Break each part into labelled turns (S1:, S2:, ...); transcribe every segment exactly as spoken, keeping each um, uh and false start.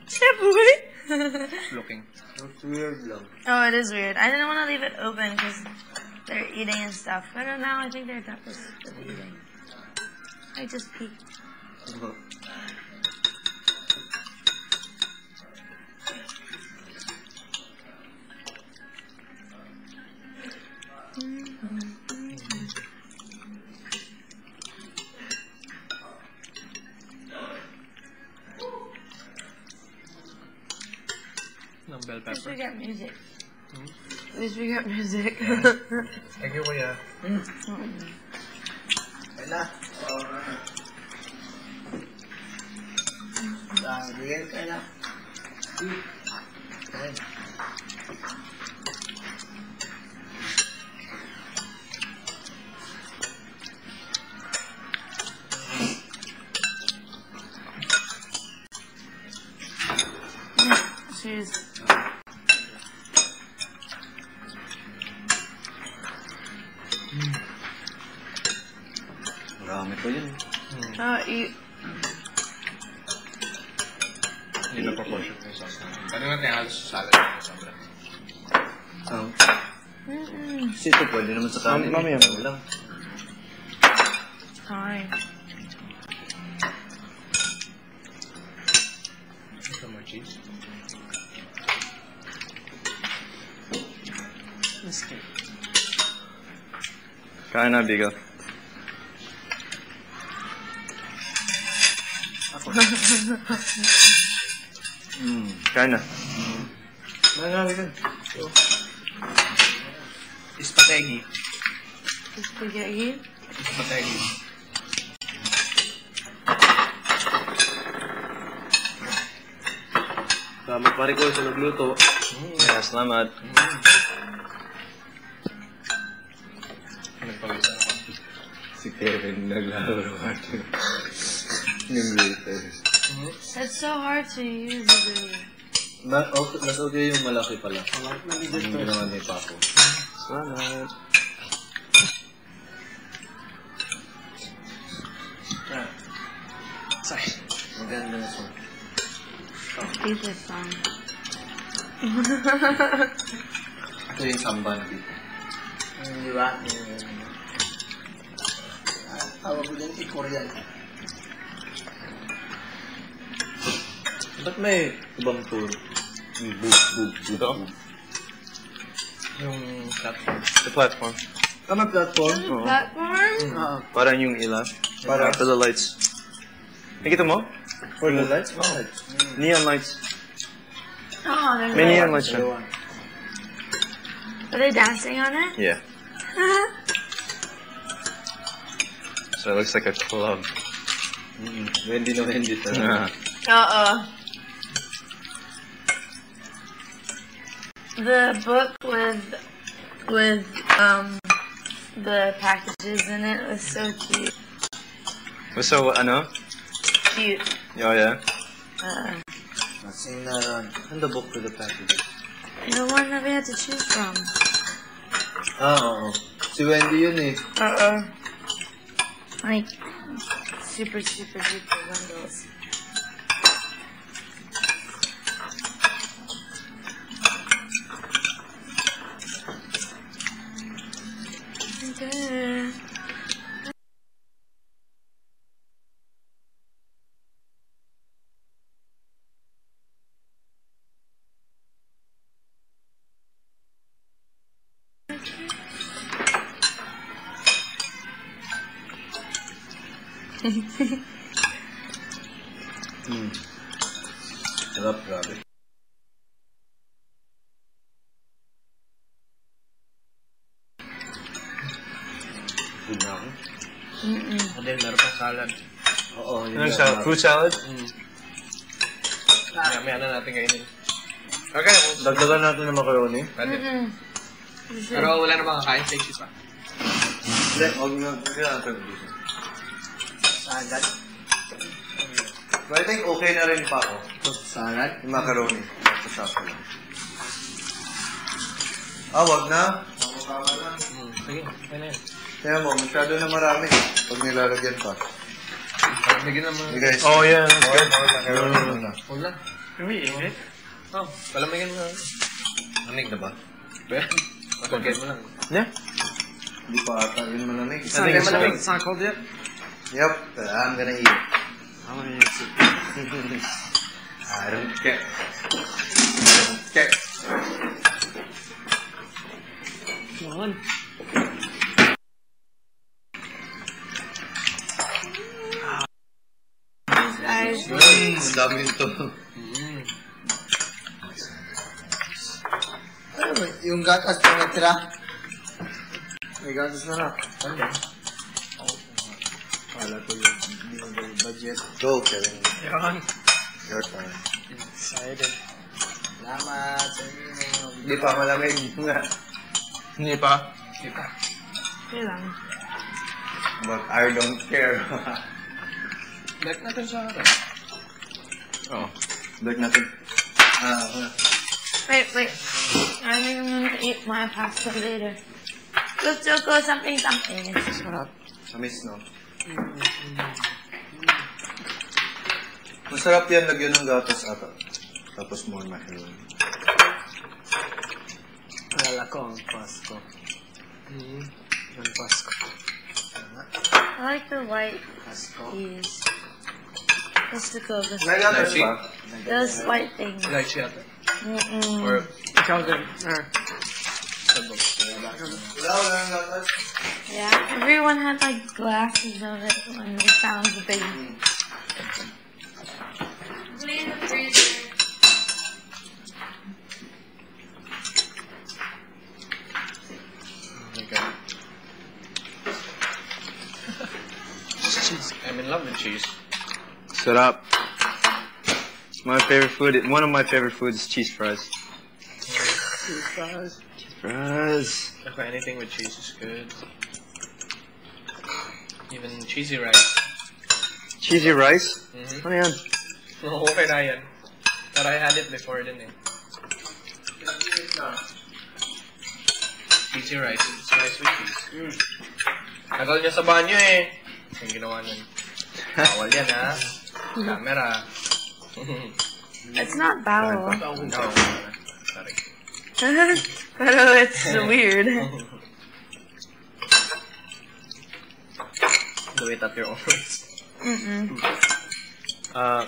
S1: Shaboy?
S2: Looking.
S3: It's weird lang.
S1: Oh, it is weird. I didn't want to leave it open because they're eating and stuff. But now I think they're done with eating. I just peeked.
S2: Ng bell
S1: At least we
S2: pepper.
S1: got music.
S2: Hmm?
S1: At least we got music.
S2: Thank you, kuya.
S3: Hmm. Kaya na. Bigyan ka na. Kaya.
S1: Cheers.
S3: Marami pa yun.
S1: Oh, eat.
S2: Hindi na proportion ko yung sauce namin. Tanong natin halos sa salad yung sobra.
S3: Um,
S1: Mm-mm.
S3: kasi ito pwede naman sa kanin.
S2: Mamaya.
S3: Ano lang.
S1: Fine.
S2: Some more cheese.
S3: Kain na, Bigo. Hmm, kain na. Marami ka.
S2: Spaghetti.
S1: Spaghetti.
S2: Spaghetti.
S3: Salamat pare ko sa nagluto. Yeah, salamat.
S2: Nagpawisa ako.
S3: Si Kevin naglaro natin. Yung latest.
S1: That's so hard to use, really.
S3: Ma okay, mas okay yung malaki pala. Yung ginawa ni Papo. Salamat. Ah.
S2: Sorry.
S3: Maganda na song.
S1: Eat this song.
S3: Ito yung samba na dito.
S4: Di ba? Tawag ko dyan, i-Korean.
S3: Ba't may ibang tour? Yung boop, boop,
S2: Ito?
S3: boop.
S2: Yung platform.
S3: The platform.
S4: Tama platform?
S3: Oo.
S1: Platform?
S4: Oo.
S3: Parang yung ilaw.
S2: Para?
S3: For the lights. Nakita mo?
S4: For the lights?
S3: Oh. Neon lights.
S1: Oh, there's
S3: May
S1: a-
S3: neon lights siya.
S1: Are they dancing on it?
S3: Yeah. So it looks like a club. Mm-hmm. Wendy no Wendy talaga.
S1: Uh-uh. The book with with um the packages in it was so cute.
S3: So ano?
S1: Cute.
S3: Oh yeah.
S1: Uh,
S4: Sing na ron.
S3: And the book for the packages.
S1: the one that we had to choose from.
S3: Ah, oo. Si Wendy yun eh.
S1: Uh-uh. Like super super duper bundles. Okay.
S3: Hmm. Sarap, grabe. Good na ako.
S1: Mm-mm.
S2: And then meron pang salad.
S3: Oo, yun
S2: Ano
S3: lang.
S2: sa fruit salad?
S3: Mm.
S2: Maya, maya na natin kainin. Okay,
S3: Dagdagan natin ng macaroni.
S2: pwede.
S1: Mm-mm. You should.
S2: Pero wala na bang kakain? Take cheese pa.
S3: Hindi, huwag na. Huwag na natin dito.
S4: Salad.
S3: But I think okay na rin pa ako.
S4: Salad?
S3: Yung macaroni. Sa shop ko lang. Ah, wag na. Tama-tama lang.
S2: Hmm, sige, okay na yun.
S3: Kaya mo, masyado na marami. Pag nilalagyan pa.
S2: Bigyan naman.
S3: Hey guys.
S2: Oh, yeah, that's
S3: Okay,
S2: good.
S3: macaroni muna.
S2: Huwag lang. Umiinit?
S3: Oh, palamigan mo. Lamig na ba? Pagkagay mo lang.
S4: Yeah. Hindi pa ata yun malamig.
S3: I think it's malamig.
S4: It's not cold yet? Yep. Uh, I'm gonna eat it.
S3: I'm gonna eat it. I don't care. I don't care.
S2: Come on.
S1: Guys,
S3: Mm, ang dami nito.
S2: Mm.
S4: Ano ba? Yung gatas na natira? May gatas na na. Ano ba? Kala ko yung hindi mo yung budget.
S3: Go, Kevin.
S2: Yan.
S3: Your turn.
S2: Excited.
S4: Salamat sa inyo.
S3: Hindi pa malamig.
S2: Hindi pa? Hindi pa.
S1: okay lang.
S3: But I don't care.
S2: Like natin sa akin.
S3: Oh. Back natin. Ah, uh,
S1: Wait, wait. I think I'm gonna eat my pasta later. Let's still go something, something.
S3: sarap. Amis, no? Masarap yan, lagyan ng gatas ata. Tapos more mahiyon.
S4: Alala ko ang Pasko.
S2: Mm.
S4: Ang Pasko.
S1: I like the white
S4: Pasko.
S1: cheese. Let's look over
S3: May gatas
S2: Lychee?
S3: pa?
S1: those white things.
S2: Like siya ate.
S1: Mm-mm.
S2: Or, ikaw din. Ah. Sabog.
S3: Wala, wala ng gatas.
S1: Yeah, everyone had like glasses of it when we found the big. Put it in the freezer.
S2: Oh my god. Cheese. I'm in love with cheese.
S5: Sarap. It's my favorite food. One of my favorite foods is cheese fries.
S2: Cheese fries.
S5: Cheese fries.
S2: Ako, anything with cheese is good. Even cheesy rice.
S5: Cheesy rice?
S2: Mm-hmm.
S5: Ano yan?
S2: Okay na yan. But I had it before din eh. Cheesy rice. It's rice with cheese. Mm. Tagal niya sa banyo eh. Yung ginawa nun. Bawal yan ha. Camera.
S1: It's not bowel.
S2: No. Sorry.
S1: Pero it's weird.
S2: Do it at your own risk.
S1: Mm-mm.
S2: Uh,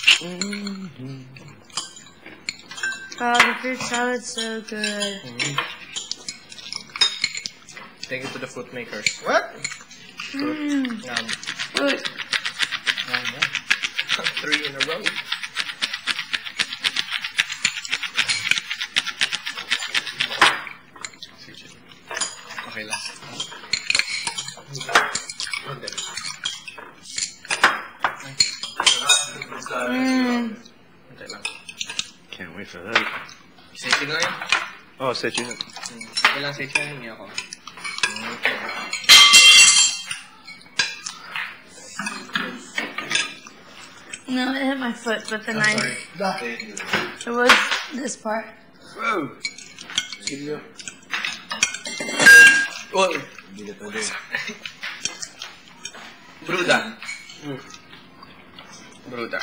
S1: Oh, the fruit salad's so good.
S2: mm-hmm. Take it to the fruit makers.
S4: What?
S1: Mm.
S2: Yum.
S1: Fruit.
S2: Yum, yum. Three in a row. Okay, last.
S1: Mm.
S2: Okay lang.
S5: Can't wait for that.
S2: Safety na yan?
S5: Oh, set you.
S2: Hmm. Ilang safety na hindi ako. Okay.
S1: No, it hit my foot, but the knife.
S3: Thank you.
S1: It was this part.
S2: Whoa! Oh!
S3: Hindi na pwede.
S2: Bruda. Mm. Bruda.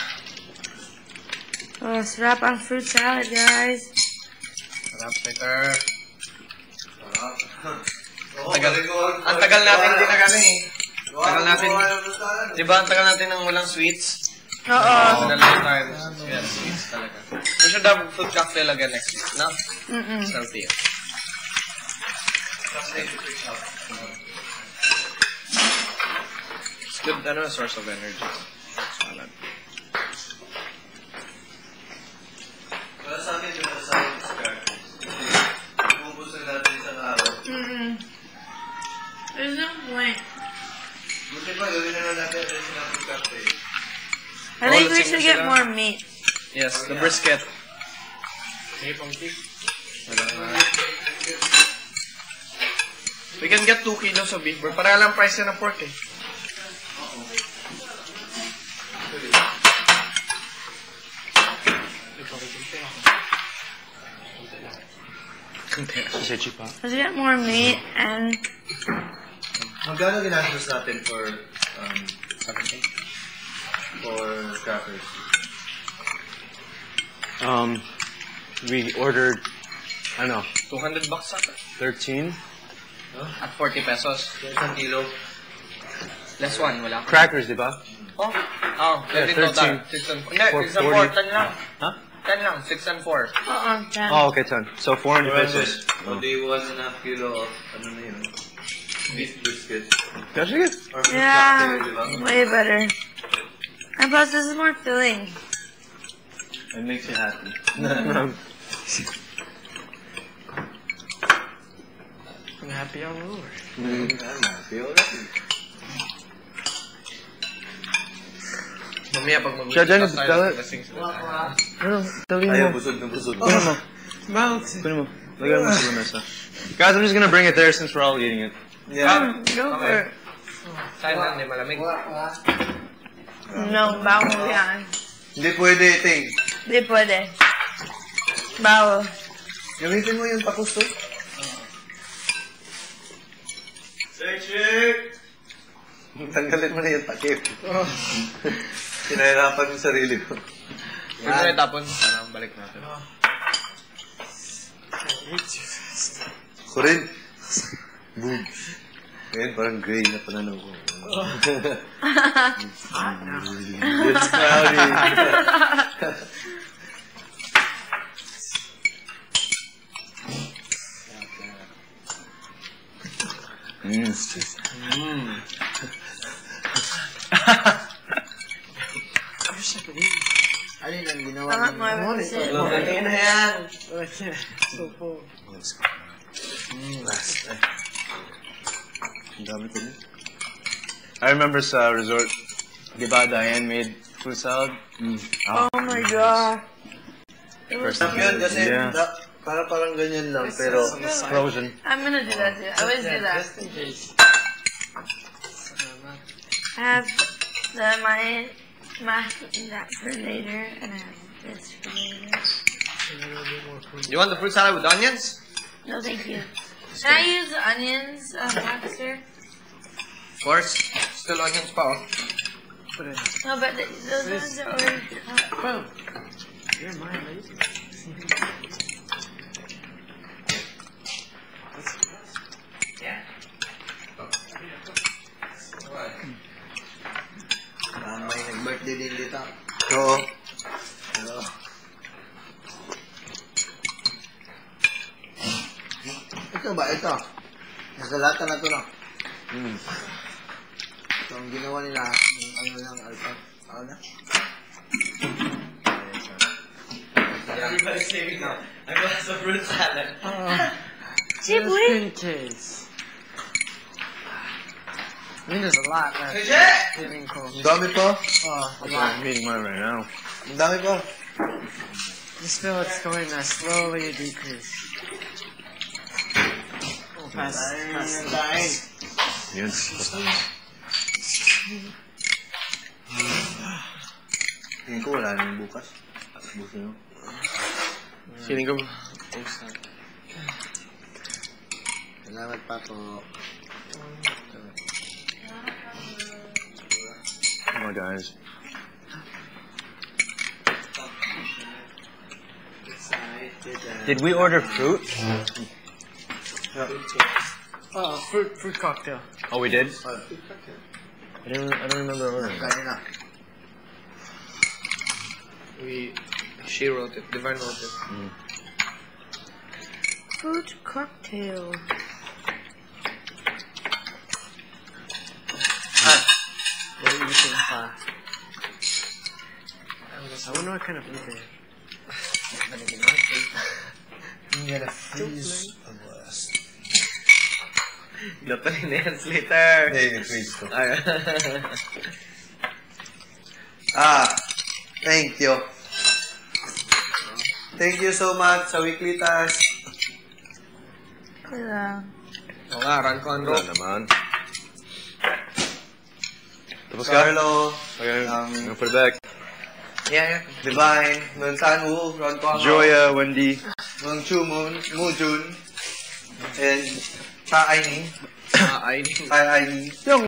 S1: Oh, sarap ang fruit salad, guys.
S2: Sarap, Peter.
S3: Sarap. Oo,
S2: Tagal.
S3: galing ko.
S2: Ang tagal natin din na kami eh. Tagal natin.
S3: Tagal
S2: Di ba ang tagal natin ng walang sweets?
S1: Oo.
S2: Oh, nalang tayo. Yeah, sweets talaga. We should have fruit cocktail again next week, no?
S1: Mm-mm.
S2: Salty. It's good, ano, source of energy. Salad.
S3: Para sa akin, yung nasa akin, Scarface. Ubus na natin isang araw.
S1: Mm-mm. There's no point.
S3: Buti pa, gawin na lang natin rin sila ng Scarface.
S1: I think
S2: Oh,
S1: we
S2: let's
S1: should
S2: see
S1: get
S2: sila.
S1: more meat.
S2: Yes, the brisket. May pangkik. Wala nga. We can get two kilos of beef, bro. Para lang price na ng pork eh.
S5: Set you pa.
S1: Let's get more meat and
S3: Magkano ginastos natin for, um, for crackers?
S5: Um, we ordered, I don't know,
S2: two hundred bucks ata.
S5: thirteen.
S2: At forty pesos.
S3: Isang kilo.
S2: Less one, wala.
S5: Crackers, di ba?
S2: Oh, oh,
S5: Yeah,
S2: thirteen total.
S5: thirteen.
S2: six and four. Hindi,
S5: For
S2: six and four,
S5: forty.
S2: ten lang.
S5: Huh?
S2: ten lang, six and four.
S1: Uh-uh, ten.
S5: Oh, okay, ten. So four hundred pesos.
S3: O di one and a half kilo of, ano na yun? Beef brisket.
S5: That's good.
S3: Or beef
S1: Yeah,
S3: cocktail, di ba?
S1: way better. And plus, this is more filling.
S3: It makes you happy.
S2: I'm happy all over.
S3: I'm happy already.
S2: Mamaya pag mag-uwi
S5: Siya, Jenny,
S2: tayo,
S5: tell it.
S2: lasing sila.
S5: Ano, talin
S3: Ayaw,
S5: mo.
S3: busog na busog.
S5: Kunin mo. Kunin mo. Lagyan mo sa lamesa. Guys, I'm just gonna bring it there since we're all eating it.
S3: Yeah.
S1: Um, go for it.
S2: Sa'yo lang, hindi malamig.
S1: No, bawal yan.
S3: Hindi pwede, Ting.
S1: Di pwede. Bawal.
S3: Gamitin mo yung pakusto. Shake, tanggalin mo na yung takip. Kinahirapan yung sarili ko.
S2: Pwede na itapon, para balik natin.
S3: Ako rin. Boom. Ngayon, parang gray na pananaw ko. It's cloudy.
S5: Mm.
S2: Mm.
S4: Alin ang ginawa
S1: Tama
S4: ng
S1: mo,
S4: monitor?
S2: Lagay na yan.
S3: Last. Ay. Ang dami ko niya.
S5: I remember sa resort, di ba, Diane made fruit salad? Mm.
S1: Oh my god. It was
S5: First
S3: Sarap yun kasi
S5: Yeah.
S3: da, para parang ganyan lang pero
S5: Frozen.
S1: I'm gonna do that too. I always do that. I have the my mac that for later, and I have this for later.
S2: You want the fruit salad with onions?
S1: No, thank you. Can I use the onions, uh, Baxter?
S2: Of course. Still onions pa, oh.
S1: No, but the, those ones are already cut.
S2: You're my lady. Yeah.
S4: Ah, may nag-birthday din dito.
S3: oo.
S4: Hello. Ito ba? Ito. Nasa lata na ito na.
S3: Mm.
S4: Ito ang ginawa nila. Yung ano lang, alpha. Ano na?
S2: Everybody's saving now. I got some fruit salad.
S1: Cheap weed.
S4: I mean, there's a lot left.
S2: Legit!
S3: Ang dami pa.
S4: Oh, a lot.
S5: I'm eating mine right now.
S3: Ang dami pa.
S6: Just feel it's going to slowly decrease. Oh, fast, fast.
S4: Dahil.
S5: Yun.
S3: Tingin ko wala nang bukas. Bukas nyo.
S5: Feeling ko.
S4: Salamat pa po.
S5: Come on, guys. Did we order fruit?
S6: Oh, fruit, fruit cocktail.
S5: Oh, we did? I don't, I don't remember ordering that.
S4: Kanina.
S2: We, she wrote it. Divine wrote it.
S1: Fruit cocktail.
S6: What are you eating pa? I wonder what kind of fruit they have.
S4: I'm gonna freeze a blast.
S2: Glutin na yan later.
S3: Hindi, yung ko.
S2: Ay.
S3: Ah, thank you. Thank you so much sa weekly task.
S1: Yeah.
S2: Oo nga, run ko ang
S5: Wala
S2: rope.
S5: naman. Tapos ka?
S3: Carlo,
S5: Okay,
S3: Um,
S5: I'm gonna put it back.
S2: Yeah, yeah.
S3: Divine, Nun San Wu, Ron Kwang,
S5: Joya, Wendy.
S3: Mung Chu Moon, Mu Jun, and Ta Ai Ning.
S2: Ah, I
S3: Tai Ai Ning.